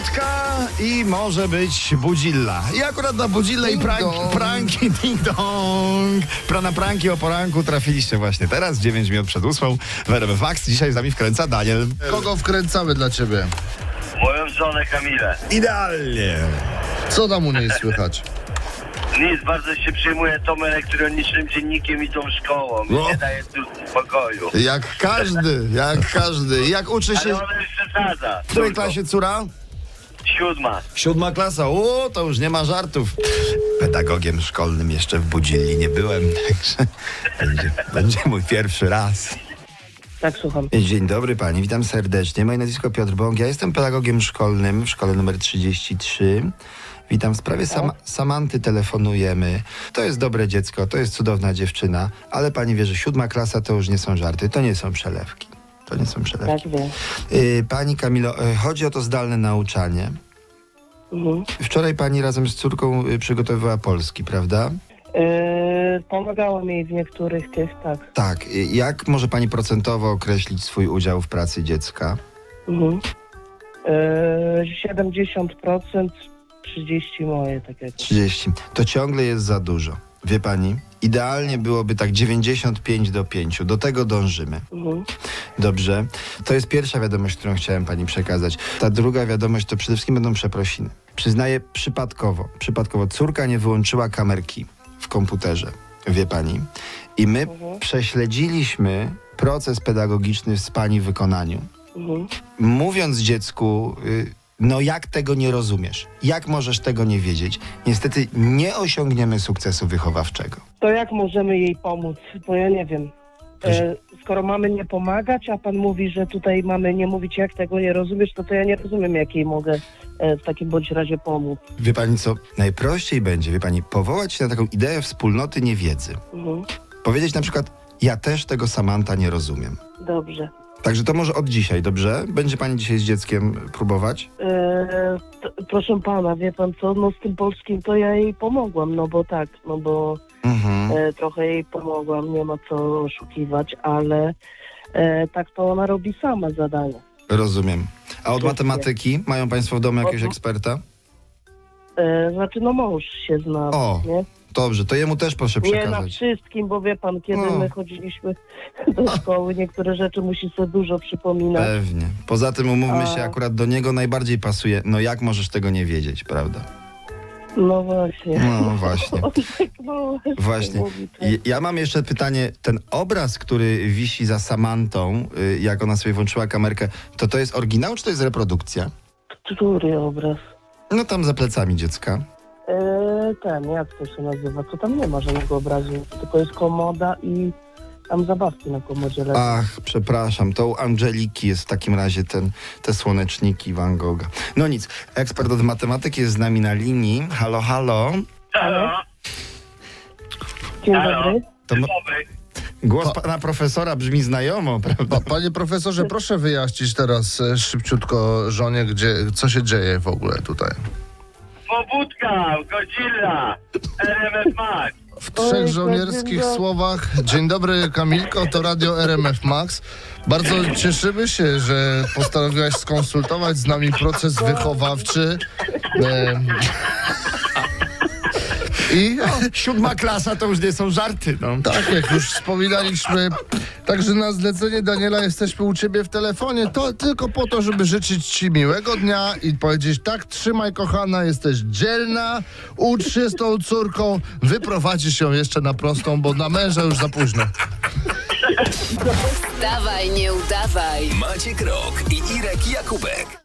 Wódka i może być budzilla. I akurat na budzillę i pranki ding dong. Na pranki o poranku trafiliście właśnie teraz, 9 minut przed 8 w RMF Max. Dzisiaj z nami wkręca Daniel. Kogo wkręcamy dla ciebie? Moją żonę Kamilę. Idealnie. Co tam u niej słychać? Nic, bardzo się przejmuję tą elektronicznym dziennikiem i tą szkołą. No. Nie daje tu spokoju. Jak każdy. Jak uczy się... Ale ona już przesadza. W której klasie córa? 7. 7. klasa. To już nie ma żartów. Pedagogiem szkolnym jeszcze w Budzilli nie byłem, także będzie mój pierwszy raz. Tak, słucham. Dzień dobry pani, witam serdecznie. Moje nazwisko Piotr Bąk. Ja jestem pedagogiem szkolnym w szkole numer 33. Witam, w sprawie Samanty telefonujemy. To jest dobre dziecko, to jest cudowna dziewczyna, ale pani wie, że 7. klasa to już nie są żarty, to nie są przelewki. Tak, wiem. Pani Kamilo, chodzi o to zdalne nauczanie. Mhm. Wczoraj pani razem z córką przygotowywała polski, prawda? Pomagałem jej w niektórych tych, tak. Tak. Jak może pani procentowo określić swój udział w pracy dziecka? Mhm. 70%, 30 moje, tak jak. 30. To ciągle jest za dużo. Wie pani? Idealnie byłoby tak 95:5. Do tego dążymy. Mhm. Dobrze. To jest pierwsza wiadomość, którą chciałem pani przekazać. Ta druga wiadomość to przede wszystkim będą przeprosiny. Przyznaję przypadkowo. Córka nie wyłączyła kamerki w komputerze. Wie pani? I my prześledziliśmy proces pedagogiczny w pani wykonaniu. Mhm. Mówiąc dziecku, no jak tego nie rozumiesz? Jak możesz tego nie wiedzieć? Niestety nie osiągniemy sukcesu wychowawczego. To jak możemy jej pomóc? Bo ja nie wiem. Skoro mamy nie pomagać, a pan mówi, że tutaj mamy nie mówić, jak tego nie rozumiesz, to ja nie rozumiem, jak jej mogę w takim bądź razie pomóc. Wie pani co? Najprościej będzie, wie pani, powołać się na taką ideę wspólnoty niewiedzy. Mhm. Powiedzieć na przykład, ja też tego Samanta nie rozumiem. Dobrze. Także to może od dzisiaj, dobrze? Będzie pani dzisiaj z dzieckiem próbować? Proszę pana, wie pan co, no z tym polskim to ja jej pomogłam, no bo trochę jej pomogłam, nie ma co oszukiwać, ale tak to ona robi sama zadania. Rozumiem. A od matematyki mają państwo w domu jakiegoś eksperta? Znaczy, no mąż się zna, O, nie? Dobrze, to jemu też proszę Nie na przekazać. wszystkim, bo wie pan, kiedy my chodziliśmy do szkoły, niektóre rzeczy musi sobie dużo przypominać. Pewnie. Poza tym umówmy się, akurat do niego najbardziej pasuje. No jak możesz tego nie wiedzieć, prawda? No właśnie. No właśnie. On tak, no, Właśnie. mówi, tak. Ja mam jeszcze pytanie. Ten obraz, który wisi za Samantą, jak ona sobie włączyła kamerkę, to jest oryginał, czy to jest reprodukcja? Który obraz? No tam za plecami dziecka. Jak to się nazywa? Co tam nie ma żadnego obrazu, tylko jest komoda i tam zabawki na komodzie leżą. Ach, przepraszam, to u Angeliki jest w takim razie te słoneczniki Van Gogha. No nic, ekspert od matematyki jest z nami na linii. Halo, halo. Halo? Dzień Halo? dobry. To Dzień dobry. głos pana profesora brzmi znajomo, prawda? Panie profesorze, proszę wyjaśnić teraz szybciutko żonie, co się dzieje w ogóle tutaj. Pobudka, Godzilla, RMF Max. W trzech Oj, żołnierskich Godzilla. słowach. Dzień dobry, Kamilko, to radio RMF Max. Bardzo cieszymy się, że postanowiłaś skonsultować z nami proces wychowawczy. I 7. klasa to już nie są żarty, no. tak, jak już wspominaliśmy, także na zlecenie Daniela jesteśmy u ciebie w telefonie, to tylko po to, żeby życzyć ci miłego dnia i powiedzieć tak, trzymaj kochana, jesteś dzielna, ucz się z tą córką, wyprowadzisz ją jeszcze na prostą, bo na męża już za późno. Dawaj, nie udawaj. Maciek Rok i Irek Jakubek.